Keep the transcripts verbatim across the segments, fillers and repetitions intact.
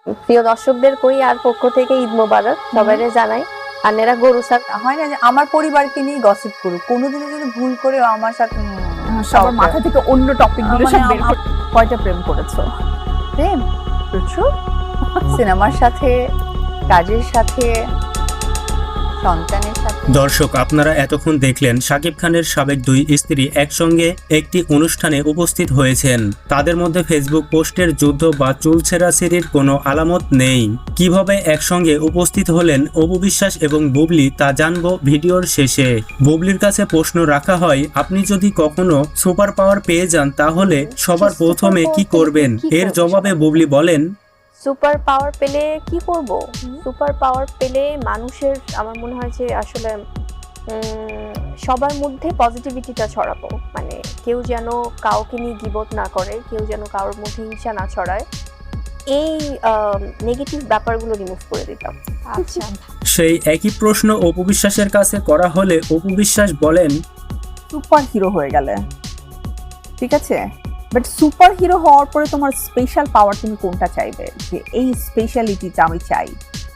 প্রিয় দর্শকদের কই আর পক্ষ থেকে ঈদ মোবারক সবাইরে জানাই। আর এরা গরু সার হয় না যে আমার পরিবারকে নিয়ে গসিপ করুক, কোনোদিনও যদি ভুল করে আমার সাথে সবার মাথা থেকে অন্য টপিক গুলো সব বের করে। কয়টা প্রেম করেছো? প্রেম প্রচুর, সিনেমার সাথে, কাজের সাথে, সন্তানের সাথে। দর্শক, আপনারা এতক্ষণ দেখলেন শাকিব খানের সাবেক দুই স্ত্রী একসঙ্গে একটি অনুষ্ঠানে উপস্থিত হয়েছেন। তাদের মধ্যে ফেসবুক পোস্টের যুদ্ধ বা চুল ছেঁড়াছেঁড়ির কোনো আলামত নেই। কিভাবে একসঙ্গে উপস্থিত হলেন অপু বিশ্বাস এবং বুবলি তা জানবো ভিডিওর শেষে। বুবলির কাছে প্রশ্ন রাখা হয়, আপনি যদি কখনো সুপার পাওয়ার পেয়ে যান তাহলে সবার প্রথমে কি করবেন? এর জবাবে বুবলি বলেন, সুপার পাওয়ার পেলে কি করব? সুপার পাওয়ার পেলে মানুষের আমার মনে হয় যে আসলে সবার মধ্যে পজিটিভিটিটা ছড়াবো। মানে কেউ যেন কাউকে নিয়ে গিবত না করে, কেউ যেন কারোর মধ্যে হিংসা না ছড়ায়, এই নেগেটিভ ব্যাপারগুলো রিমুভ করে দিতাম। আচ্ছা, সেই একই প্রশ্ন অপু বিশ্বাসের কাছে করা হলে অপু বিশ্বাস বলেন, সুপার হিরো হয়ে গেলে ঠিক আছে, বাট সুপার হিরো হওয়ার পরে তোমার স্পেশাল পাওয়ার তুমি কোনটা চাইবে, যে এই স্পেশালিটিটা আমি চাই?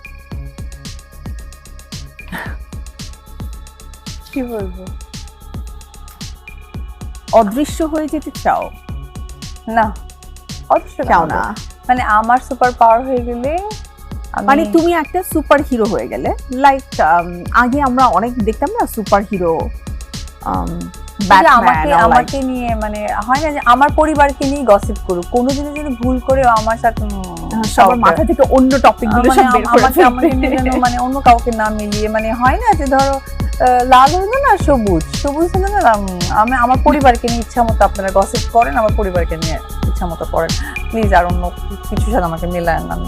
কি বলবো, অদৃশ্য হয়ে যেতে চাও? না অবশ্য চাও না, মানে আমার সুপার পাওয়ার হয়ে গেলে আমি- মানে তুমি একটা সুপার হিরো হয়ে গেলে, লাইক আগে আমরা অনেক দেখতাম না সুপার হিরো, যে আমাকে আমাকে নিয়ে মানে হয় না যে আমার পরিবারকে নিয়ে গসিপ করুক, কোনোদিনও যদি ভুল করে আমার সাথে সবার মাথা থেকে অন্য টপিক গুলো সব বের করে আমাকে আমাকে মিলানো, মানে অন্য কাউকে না মিলিয়ে, মানে হয় না যে ধরো লাল হলো না সবুজ, সবুজ হলো না আমি আমার পরিবারকে নিয়ে ইচ্ছা মতো আপনারা গসিপ করেন, আমার পরিবারকে নিয়ে ইচ্ছা মতো করেন প্লিজ, আর অন্য কিছুর সাথে আমাকে মেলায় না।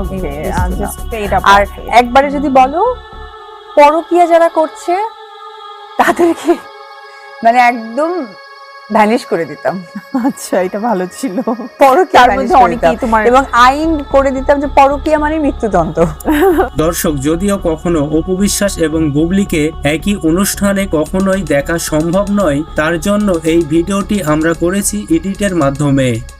আর একবারে যদি বলো পরকীয়া যারা করছে তাদেরকে মানে একদম ভ্যানিশ করে দিতাম। আচ্ছা, এটা ভালো ছিল। পরকীয়ার মধ্যে অনেকেই তোমার এবং আইন করে দিতাম যে পরকীয়া মানে মৃত্যুদণ্ড। দর্শক, যদিও কখনো অপু বিশ্বাস এবং বুবলিকে একই অনুষ্ঠানে কখনোই দেখা সম্ভব নয়, তার জন্য এই ভিডিওটি আমরা করেছি এডিটের মাধ্যমে।